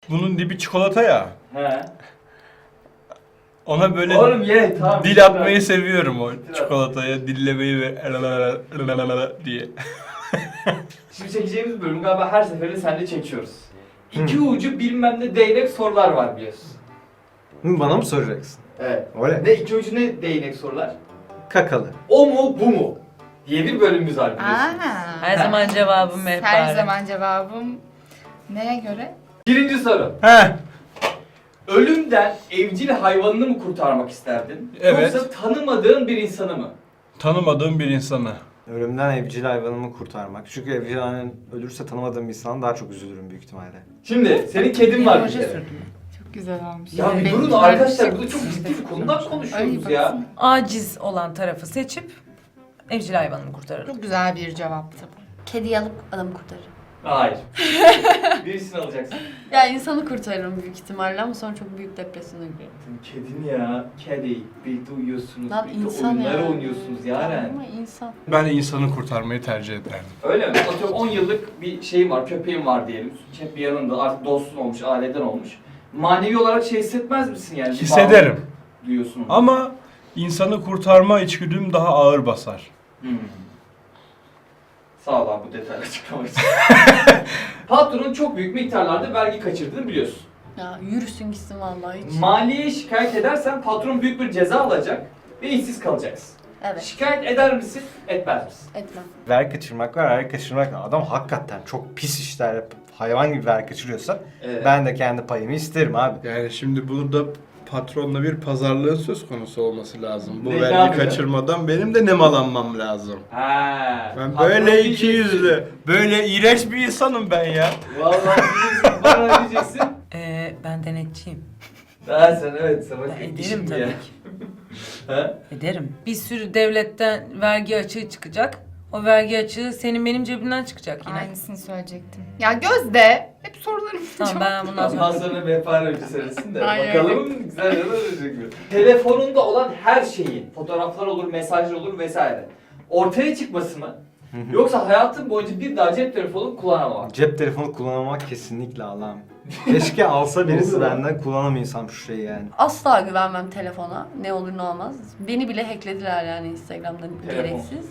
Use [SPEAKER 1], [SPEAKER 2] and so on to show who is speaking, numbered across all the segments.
[SPEAKER 1] Bunun dibi çikolata ya.
[SPEAKER 2] He.
[SPEAKER 1] Ona böyle
[SPEAKER 2] Oğlum ye tamam.
[SPEAKER 1] dil atmayı seviyorum o çikolataya. Dillemeyi ve diye.
[SPEAKER 2] Şimdi çekeceğimiz bölüm galiba her seferinde seninle çekiyoruz. İki ucu bilmem ne değnek sorular var biliyorsun.
[SPEAKER 3] Bana mı soracaksın?
[SPEAKER 2] Evet.
[SPEAKER 3] Öyle.
[SPEAKER 2] Ne iki ucu ne değnek sorular?
[SPEAKER 3] Kakalı.
[SPEAKER 2] O mu bu mu? diye bir bölümümüz var biliyorsunuz.
[SPEAKER 4] Aa.
[SPEAKER 5] Her zaman cevabım hep
[SPEAKER 4] Her
[SPEAKER 5] bari.
[SPEAKER 4] zaman cevabım neye göre?
[SPEAKER 2] Birinci soru.
[SPEAKER 1] He.
[SPEAKER 2] Ölümden evcil hayvanını mı kurtarmak isterdin?
[SPEAKER 1] Evet.
[SPEAKER 2] Yoksa tanımadığın bir insanı mı?
[SPEAKER 1] Tanımadığım bir insanı.
[SPEAKER 3] Ölümden evcil hayvanımı kurtarmak. Çünkü evcil hayvan ölürse tanımadığım bir insana daha çok üzülürüm büyük ihtimalle.
[SPEAKER 2] Şimdi senin kedin var bir
[SPEAKER 5] Hoca
[SPEAKER 2] kere.
[SPEAKER 5] sürdüm.
[SPEAKER 4] Çok güzel olmuş.
[SPEAKER 2] Ya bir
[SPEAKER 4] Benim
[SPEAKER 2] durun
[SPEAKER 4] güzel
[SPEAKER 2] arkadaşlar
[SPEAKER 4] bir
[SPEAKER 2] burada çok
[SPEAKER 4] şey.
[SPEAKER 2] ciddi bir konudan konuşuyoruz
[SPEAKER 4] Ay,
[SPEAKER 2] ya.
[SPEAKER 4] baksana.
[SPEAKER 5] Aciz olan tarafı seçip evcil hayvanımı kurtarırım.
[SPEAKER 4] Çok güzel bir cevaptı bu.
[SPEAKER 6] Kediyi alıp adamı kurtarırım.
[SPEAKER 2] Hayır. Birisini alacaksın.
[SPEAKER 6] Ya insanı kurtarırım büyük ihtimalle ama sonra çok büyük depresyona girerim.
[SPEAKER 2] Kedin ya. Kedi. Birlikte uyuyorsunuz.
[SPEAKER 6] Lan
[SPEAKER 2] birlikte
[SPEAKER 6] insan
[SPEAKER 2] oyunlar
[SPEAKER 6] ya.
[SPEAKER 2] oynuyorsunuz Yaren.
[SPEAKER 6] Ama insan.
[SPEAKER 1] Ben insanı kurtarmayı tercih ederdim.
[SPEAKER 2] Öyle mi? Atıyorum 10 yıllık bir şeyim var, köpeğim var diyelim. Hep bir yanında artık dostun olmuş, aileden olmuş. Manevi olarak şey hissetmez misin yani? Bir
[SPEAKER 1] Hissederim.
[SPEAKER 2] bağlılık duyuyorsun.
[SPEAKER 1] Ama insanı kurtarma içgüdüm daha ağır basar.
[SPEAKER 2] Sağ ol abi bu detaylı açıklamak için. Patronun çok büyük miktarlarda vergi kaçırdığını biliyorsun.
[SPEAKER 6] Ya yürüsün gitsin vallahi hiç.
[SPEAKER 2] Maliyeye şikayet edersen patron büyük bir ceza alacak ve işsiz kalacaksın.
[SPEAKER 6] Evet.
[SPEAKER 2] Şikayet eder misin, etmez misin?
[SPEAKER 6] Etmem.
[SPEAKER 3] Vergi kaçırmak var, vergi kaçırmak var. Adam hakikaten çok pis işler yapıp hayvan gibi vergi kaçırıyorsa ben de kendi payımı isterim abi.
[SPEAKER 1] Yani şimdi burada patronla bir pazarlığın söz konusu olması lazım. Bu
[SPEAKER 2] Ne
[SPEAKER 1] vergi
[SPEAKER 2] yapacak?
[SPEAKER 1] kaçırmadan benim de nemalanmam lazım.
[SPEAKER 2] Ha.
[SPEAKER 1] Ben
[SPEAKER 2] patron
[SPEAKER 1] böyle
[SPEAKER 2] diyeceksin.
[SPEAKER 1] ikiyüzlü, böyle iğrenç bir insanım ben ya.
[SPEAKER 2] Vallahi diyeceksin, bana diyeceksin.
[SPEAKER 5] Ben denetçiyim.
[SPEAKER 2] Ben sen evet sana
[SPEAKER 5] Ben
[SPEAKER 2] tek
[SPEAKER 5] ederim
[SPEAKER 2] işim
[SPEAKER 5] tabii
[SPEAKER 2] ya.
[SPEAKER 5] ki.
[SPEAKER 2] Ha?
[SPEAKER 5] Ederim. Bir sürü devletten vergi açığı çıkacak. O vergi açığı senin benim cebimden çıkacak yine.
[SPEAKER 4] Aynısını söyleyecektim. Ya Gözde hep sorularım
[SPEAKER 5] Tamam ben bundan
[SPEAKER 2] Ondan
[SPEAKER 5] sonra...
[SPEAKER 2] sonra mehpare önce söylesin de
[SPEAKER 4] Aynen.
[SPEAKER 2] bakalım güzel ya da ölecek mi? Telefonunda olan her şeyin, fotoğraflar olur, mesajlar olur vesaire ortaya çıkması mı? Yoksa hayatın boyunca bir daha cep telefonu kullanamamak.
[SPEAKER 3] Cep telefonu kullanmak kesinlikle Allah'ım. Keşke alsa birisi benden kullanamaysam şu şeyi yani.
[SPEAKER 6] Asla güvenmem telefona. Ne olur ne olmaz. Beni bile hacklediler yani Instagram'dan
[SPEAKER 2] Telefon.
[SPEAKER 6] gereksiz.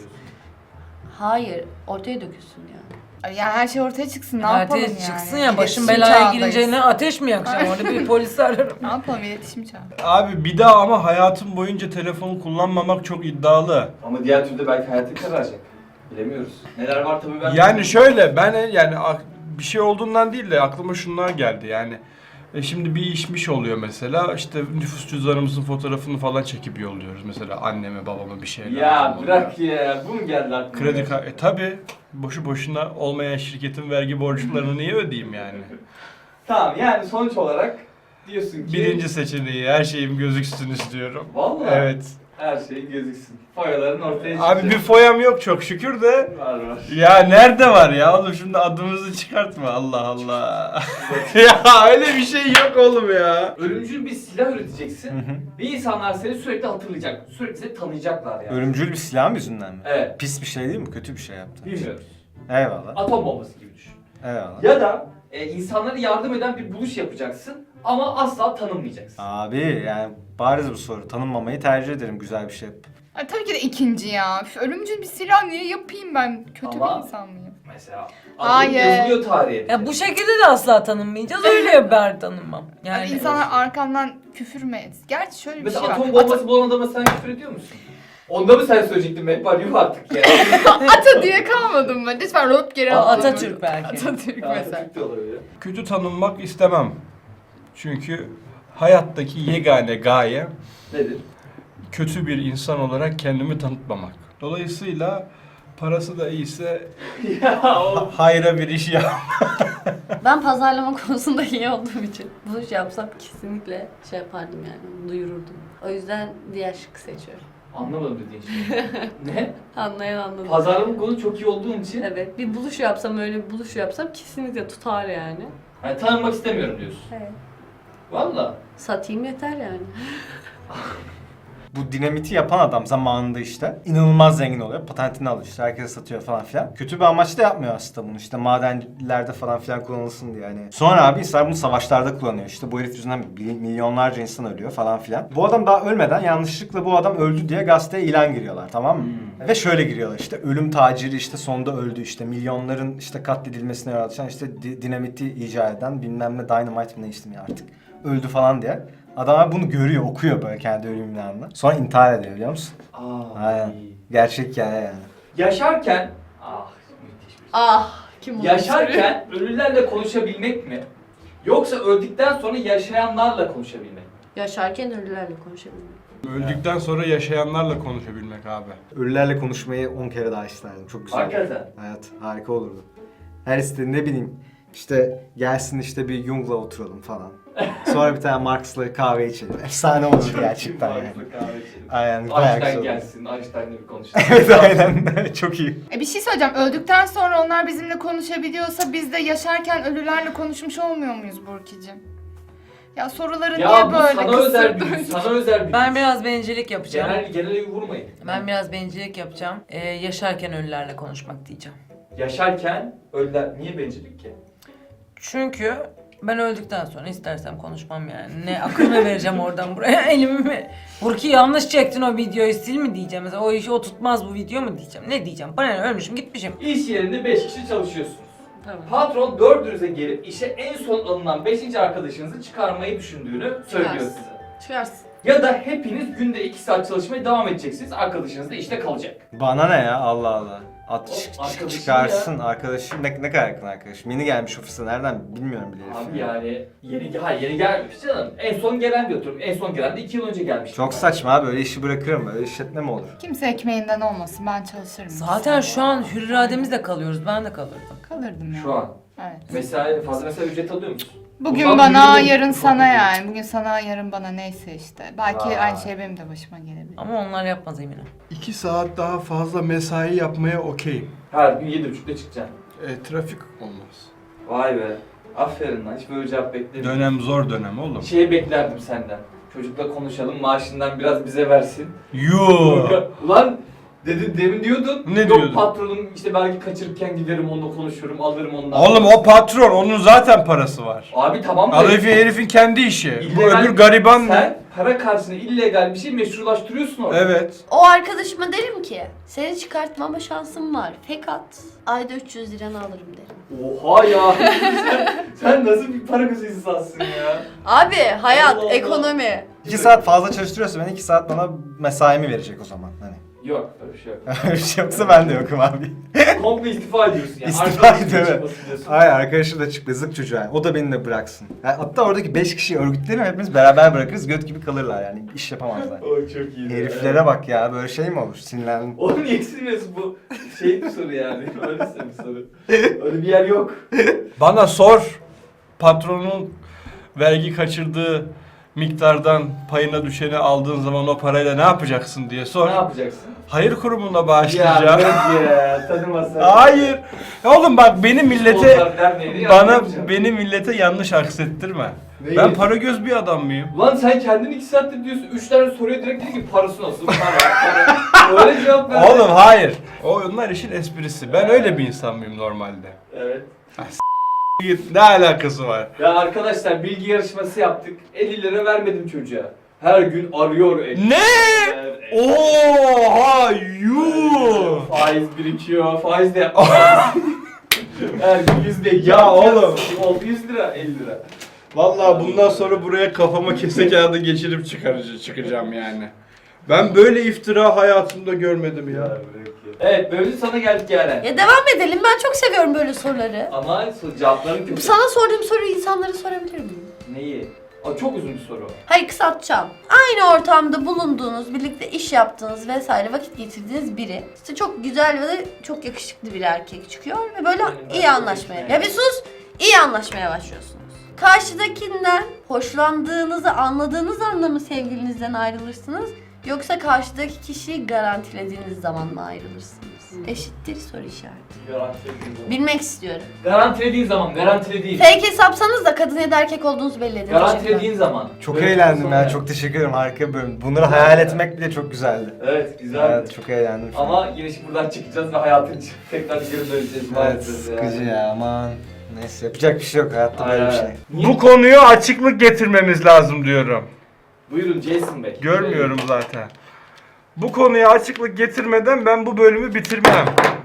[SPEAKER 6] Hayır. Ortaya dökülsün yani.
[SPEAKER 4] Yani her şey ortaya çıksın. Ne yapalım
[SPEAKER 5] Ateş
[SPEAKER 4] yani?
[SPEAKER 5] çıksın ya başım
[SPEAKER 4] İletişim
[SPEAKER 5] belaya
[SPEAKER 4] çağındayız.
[SPEAKER 5] girince ne ateş mi yakacağım orada bir polisi ararım.
[SPEAKER 4] Ne yapalım iletişim çağı.
[SPEAKER 1] Abi bir daha ama hayatım boyunca telefonu kullanmamak çok iddialı.
[SPEAKER 2] Ama diğer türlü belki hayatın kararacak. Bilemiyoruz. Neler var tabii ben...
[SPEAKER 1] Yani şöyle ben yani bir şey olduğundan değil de aklıma şunlar geldi yani. Şimdi bir işmiş oluyor mesela işte nüfus cüzdanımızın fotoğrafını falan çekip yolluyoruz mesela anneme babama bir şeyler.
[SPEAKER 2] Ya
[SPEAKER 1] falan
[SPEAKER 2] bırak
[SPEAKER 1] oluyor.
[SPEAKER 2] ya, bu mu geldi aklına?
[SPEAKER 1] Kredi tabi boşu boşuna olmayan şirketin vergi borçlarını niye ödeyeyim yani?
[SPEAKER 2] Tamam yani sonuç olarak diyorsun ki...
[SPEAKER 1] Birinci seçeneği her şeyim gözüksün istiyorum.
[SPEAKER 2] Vallahi
[SPEAKER 1] Evet.
[SPEAKER 2] her şey gözüksün. Foyaların ortaya çıkacak.
[SPEAKER 1] Abi bir foyam yok çok şükür de.
[SPEAKER 2] Var var.
[SPEAKER 1] Ya nerede var ya oğlum şimdi adımızı çıkartma Allah Allah. Ya öyle bir şey yok oğlum ya.
[SPEAKER 2] Ölümcül bir silah üreteceksin ve insanlar seni sürekli hatırlayacak. Sürekli seni tanıyacaklar yani.
[SPEAKER 3] Ölümcül bir silah yüzünden mi?
[SPEAKER 2] Evet.
[SPEAKER 3] Pis bir şey değil mi? Kötü bir şey yaptı.
[SPEAKER 2] Bilmiyoruz.
[SPEAKER 3] Eyvallah.
[SPEAKER 2] Atom bombası gibi düşün.
[SPEAKER 3] Eyvallah.
[SPEAKER 2] Ya da insanlara yardım eden bir buluş yapacaksın ama asla tanınmayacaksın.
[SPEAKER 3] Abi yani bariz bu soru. Tanınmamayı tercih ederim güzel bir şey yapıp.
[SPEAKER 4] Ay, tabii ki de ikinci ya. Üf, ölümcül bir silah niye yapayım ben? Kötü
[SPEAKER 2] Ama-
[SPEAKER 4] bir insan mıyım?
[SPEAKER 2] Mesela
[SPEAKER 4] Hayır.
[SPEAKER 2] yazılıyor tarihe.
[SPEAKER 5] Ya bu şekilde de asla tanınmayacağız öyle ben tanınmam.
[SPEAKER 4] Yani
[SPEAKER 5] Yani
[SPEAKER 4] insanlar arkamdan küfür mü etsin? Gerçi şöyle bir
[SPEAKER 2] Mesela
[SPEAKER 4] şey var.
[SPEAKER 2] atom bombası bulan adama sen küfür ediyor musun? Onda mı sen söyleyecektin Mehpar? Yuh artık ya.
[SPEAKER 4] Ata diye kalmadım ben. Lütfen rot geri
[SPEAKER 5] O
[SPEAKER 4] al.
[SPEAKER 5] Atatürk belki.
[SPEAKER 4] Atatürk mesela.
[SPEAKER 2] Atatürk de olabilir.
[SPEAKER 1] Kötü tanınmak istemem. Çünkü hayattaki yegane gaye
[SPEAKER 2] Nedir?
[SPEAKER 1] kötü bir insan olarak kendimi tanıtmamak. Dolayısıyla parası da iyiyse
[SPEAKER 2] Ya o...
[SPEAKER 1] hayra bir iş yap.
[SPEAKER 6] Ben pazarlama konusunda iyi olduğum için buluş yapsam kesinlikle şey yapardım yani. Duyururdum. O yüzden diğer şıkkı seçiyorum.
[SPEAKER 2] Anlamadım dediğin şey. Ne?
[SPEAKER 6] Anlayan anladı.
[SPEAKER 2] Pazarlama konu çok iyi olduğum için
[SPEAKER 6] Evet. Bir buluş yapsam öyle bir buluş yapsam kesinlikle tutar yani.
[SPEAKER 2] yani tanınmak istemiyorum diyorsun.
[SPEAKER 6] Evet.
[SPEAKER 2] Valla.
[SPEAKER 6] Satayım yeter yani.
[SPEAKER 3] Bu dinamiti yapan adam zamanında işte inanılmaz zengin oluyor. Patentini alıyor işte, herkese satıyor falan filan. Kötü bir amaçla yapmıyor aslında bunu, işte madenlerde falan filan kullanılsın diye yani. Sonra abi insanlar bunu savaşlarda kullanıyor. İşte bu herif yüzünden milyonlarca insan ölüyor falan filan. Bu adam daha ölmeden yanlışlıkla bu adam öldü diye gazeteye ilan giriyorlar, tamam mı? Ve şöyle giriyorlar işte, ölüm taciri işte sonunda öldü, işte milyonların işte katledilmesine yol açan işte dinamiti icat eden bilmem ne dynamite mi ne ismi artık öldü falan diye. Adamlar bunu görüyor, okuyor böyle kendi ölüm ilanını. Sonra intihar ediyor, biliyor musun? Aynen. Gerçek hikaye yani.
[SPEAKER 2] Yaşarken müthiş bir şey.
[SPEAKER 6] Kim
[SPEAKER 2] Yaşarken ölülerle konuşabilmek mi? Yoksa öldükten sonra yaşayanlarla konuşabilmek mi?
[SPEAKER 6] Yaşarken ölülerle konuşabilmek.
[SPEAKER 1] Öldükten sonra yaşayanlarla konuşabilmek abi.
[SPEAKER 3] Ölülerle konuşmayı 10 kere daha isterdim. Çok güzel.
[SPEAKER 2] Hakikaten.
[SPEAKER 3] Hayat harika olurdu. Her istediğin ne bileyim işte gelsin işte bir Jung'la oturalım falan. Sonra bir tane Marx'la kahve içelim. Efsane olurdu gerçekten yani. Aynen, bayağı güzel
[SPEAKER 2] Einstein
[SPEAKER 3] olurdu.
[SPEAKER 2] gelsin, Einstein'la bir konuşalım.
[SPEAKER 3] Evet aynen. Çok iyi.
[SPEAKER 4] Bir şey söyleyeceğim. Öldükten sonra onlar bizimle konuşabiliyorsa biz de yaşarken ölülerle konuşmuş olmuyor muyuz Burki'cim? Ya soruları
[SPEAKER 2] Ya
[SPEAKER 4] niye
[SPEAKER 2] bu
[SPEAKER 4] böyle
[SPEAKER 2] sana özel bir sana özel bir
[SPEAKER 5] Ben biraz bencillik yapacağım.
[SPEAKER 2] genel vurmayın.
[SPEAKER 5] Ben biraz bencillik yapacağım. Yaşarken ölülerle konuşmak diyeceğim.
[SPEAKER 2] Yaşarken ölüler niye bencillik ki?
[SPEAKER 5] Çünkü ben öldükten sonra istersem konuşmam yani. Ne akıllı vereceğim oradan buraya elimi mi? Burki yanlış çektin o videoyu, sil mi diyeceğim mesela, o işi o tutmaz bu video mu diyeceğim. Ne diyeceğim? Bana ne, ölmüşüm gitmişim.
[SPEAKER 2] İş yerinde 5 kişi çalışıyorsunuz.
[SPEAKER 6] Tamam.
[SPEAKER 2] Patron 4'ünüze gelip işe en son alınan 5. arkadaşınızı çıkarmayı düşündüğünü söylüyor
[SPEAKER 6] Çıkarsın.
[SPEAKER 2] size.
[SPEAKER 6] Çıkarsın.
[SPEAKER 2] Ya da hepiniz günde 2 saat çalışmaya devam edeceksiniz. Arkadaşınız da işte kalacak.
[SPEAKER 3] Bana ne ya, Allah Allah.
[SPEAKER 2] Arkadaşım
[SPEAKER 3] Çıkarsın arkadaşım, ne kadar yakın arkadaşım. Yeni gelmiş ofise, nereden bilmiyorum bile herif.
[SPEAKER 2] Abi yani yeni gelmemiş canım. En son gelen diyor. En son gelen de 2 yıl önce gelmiş.
[SPEAKER 3] Çok saçma abi, öyle işi bırakırım, böyle işletme mi olur?
[SPEAKER 4] Kimse ekmeğinden olmasın. Ben çalışırım.
[SPEAKER 5] Zaten şu an hür irademizle kalıyoruz. Ben de kalırdım.
[SPEAKER 4] Kalırdım ya.
[SPEAKER 2] Şu an.
[SPEAKER 4] Evet.
[SPEAKER 2] Fazla mesai ücret alıyor musun?
[SPEAKER 4] Bugün
[SPEAKER 2] Bundan
[SPEAKER 4] bana,
[SPEAKER 2] büyüdüm.
[SPEAKER 4] yarın sana yani. Bugün sana, yarın bana, neyse işte. Belki
[SPEAKER 2] Vay.
[SPEAKER 4] aynı şey benim de başıma gelebilir.
[SPEAKER 5] Ama onlar yapmaz eminim.
[SPEAKER 1] 2 saat daha fazla mesai yapmaya okeyim.
[SPEAKER 2] Her gün 7.30'da çıkacaksın.
[SPEAKER 1] Trafik olmaz.
[SPEAKER 2] Vay be. Aferin lan. Hiç böyle cevap beklemedim.
[SPEAKER 1] Dönem zor dönem oğlum.
[SPEAKER 2] Şey beklerdim senden. Çocukla konuşalım, maaşından biraz bize versin.
[SPEAKER 1] Yoo.
[SPEAKER 2] Ulan demin diyordun.
[SPEAKER 1] Ne
[SPEAKER 2] Yok
[SPEAKER 1] diyordun?
[SPEAKER 2] patronum işte belki kaçırırken giderim onunla konuşurum, alırım ondan.
[SPEAKER 1] Oğlum o patron, onun zaten parası var.
[SPEAKER 2] Abi tamam da
[SPEAKER 1] Herifin kendi işi. Bu
[SPEAKER 2] illegal-
[SPEAKER 1] öbür gariban.
[SPEAKER 2] sen para karşısında illegal bir şey meşrulaştırıyorsun orada.
[SPEAKER 1] Evet.
[SPEAKER 6] O arkadaşıma derim ki seni çıkartmama şansım var. Fakat ayda 300 liranı alırım derim.
[SPEAKER 2] Oha ya. sen nasıl bir para gözü insansın ya.
[SPEAKER 6] Abi hayat,
[SPEAKER 2] Allah Allah.
[SPEAKER 6] ekonomi.
[SPEAKER 3] 2 saat fazla çalıştırıyorsa ben 2 saat bana mesaimi verecek o zaman hani.
[SPEAKER 2] Yok öyle bir şey yok.
[SPEAKER 3] Öyle bir şey yoksa ben de yokum abi.
[SPEAKER 2] Komple istifa ediyorsun yani.
[SPEAKER 3] İstifa
[SPEAKER 2] Arkadaşın
[SPEAKER 3] ediyor, evet.
[SPEAKER 2] çıkmasın diyorsun.
[SPEAKER 3] Hayır, arkadaşım da çıktı, zık çocuğa yani. O da beni de bıraksın. Yani hatta oradaki 5 kişiyi örgütlerim, hepimiz beraber bırakırız, göt gibi kalırlar yani, iş yapamazlar.
[SPEAKER 2] O çok iyi.
[SPEAKER 3] Heriflere bak ya, böyle şey mi olur? Sinirlendim.
[SPEAKER 2] Oğlum niye silmiyorsun bu? Şey bir soru yani. Öyleyse bir soru. Öyle bir yer yok.
[SPEAKER 1] Bana sor. Patronun vergi kaçırdığı miktardan payına düşeni aldığın zaman o parayla ne yapacaksın diye sor.
[SPEAKER 2] Ne yapacaksın?
[SPEAKER 1] Hayır kurumuna
[SPEAKER 2] Ya
[SPEAKER 1] bağışlayacağım.
[SPEAKER 2] bırak ya. Tanımasan.
[SPEAKER 1] Hayır. Ya oğlum bak beni millete
[SPEAKER 2] Sponsorlar derneğini
[SPEAKER 1] bana
[SPEAKER 2] yapmayacağım.
[SPEAKER 1] beni millete yanlış aksettirme.
[SPEAKER 2] Neyi?
[SPEAKER 1] Ben para göz bir adam mıyım?
[SPEAKER 2] Ulan sen kendin 2 saattir diyorsun. 3 tane soruya direkt dedin ki parası nasıl? Para. Öyle cevap ver.
[SPEAKER 1] Oğlum hayır. Onlar işin esprisi. Ben öyle bir insan mıyım normalde?
[SPEAKER 2] Evet.
[SPEAKER 1] Ne alakası var?
[SPEAKER 2] Ya arkadaşlar bilgi yarışması yaptık. 50 lira vermedim çocuğa. Her gün arıyor.
[SPEAKER 1] Ne? Oha yuh.
[SPEAKER 2] Faiz birikiyor. Faiz de yapmaz. Her gün 100 lira.
[SPEAKER 1] Ya oğlum.
[SPEAKER 2] Oldu 100 lira 50 lira.
[SPEAKER 1] Vallahi bundan sonra buraya kafama kese kağıdı geçirip çıkacağım yani. Ben böyle iftira hayatımda görmedim ya.
[SPEAKER 2] Evet bölümün sana geldik Yaren.
[SPEAKER 6] Ya devam edelim. Ben çok seviyorum böyle soruları.
[SPEAKER 2] Ama cevapların kötü.
[SPEAKER 6] Sana sorduğum soruyu insanlara sorabilir miyim?
[SPEAKER 2] Neyi? Aa, çok uzun bir soru.
[SPEAKER 6] Hayır, kısaltacağım. Aynı ortamda bulunduğunuz, birlikte iş yaptığınız vesaire vakit geçirdiğiniz biri işte çok güzel ve de çok yakışıklı bir erkek çıkıyor ve böyle iyi anlaşmaya. Ya bir sus! İyi anlaşmaya başlıyorsunuz. Karşıdakinden hoşlandığınızı anladığınız anda mı sevgilinizden ayrılırsınız? Yoksa karşıdaki kişiyi garantilediğiniz zaman mı ayrılırsınız? Eşittir soru işareti.
[SPEAKER 2] Garantilediğin zaman.
[SPEAKER 6] Bilmek istiyorum.
[SPEAKER 2] Garantilediğin zaman, garantilediğin.
[SPEAKER 6] Fake hesapsanız da kadın ya da erkek olduğunuzu belli edin.
[SPEAKER 2] Garantilediğin zaman.
[SPEAKER 3] Çok
[SPEAKER 2] Böyle
[SPEAKER 3] eğlendim
[SPEAKER 2] sonra
[SPEAKER 3] ya.
[SPEAKER 2] yani.
[SPEAKER 3] Çok teşekkür ederim. Harika bir bölüm. Bunları hayal etmek bile çok güzeldi.
[SPEAKER 2] Evet, güzel.
[SPEAKER 3] Evet, çok eğlendim. şu an.
[SPEAKER 2] Ama yine şimdi buradan çıkacağız ve hayatın için tekrar geri döneceğiz.
[SPEAKER 3] Evet,
[SPEAKER 2] maalesef
[SPEAKER 3] sıkıcı ya aman. Neyse yapacak bir şey yok hayatta böyle bir şey.
[SPEAKER 2] Niye?
[SPEAKER 1] Bu konuya açıklık getirmemiz lazım diyorum.
[SPEAKER 2] Buyurun Jason Bey.
[SPEAKER 1] Görmüyorum zaten. Bu konuya açıklık getirmeden ben bu bölümü bitirmem.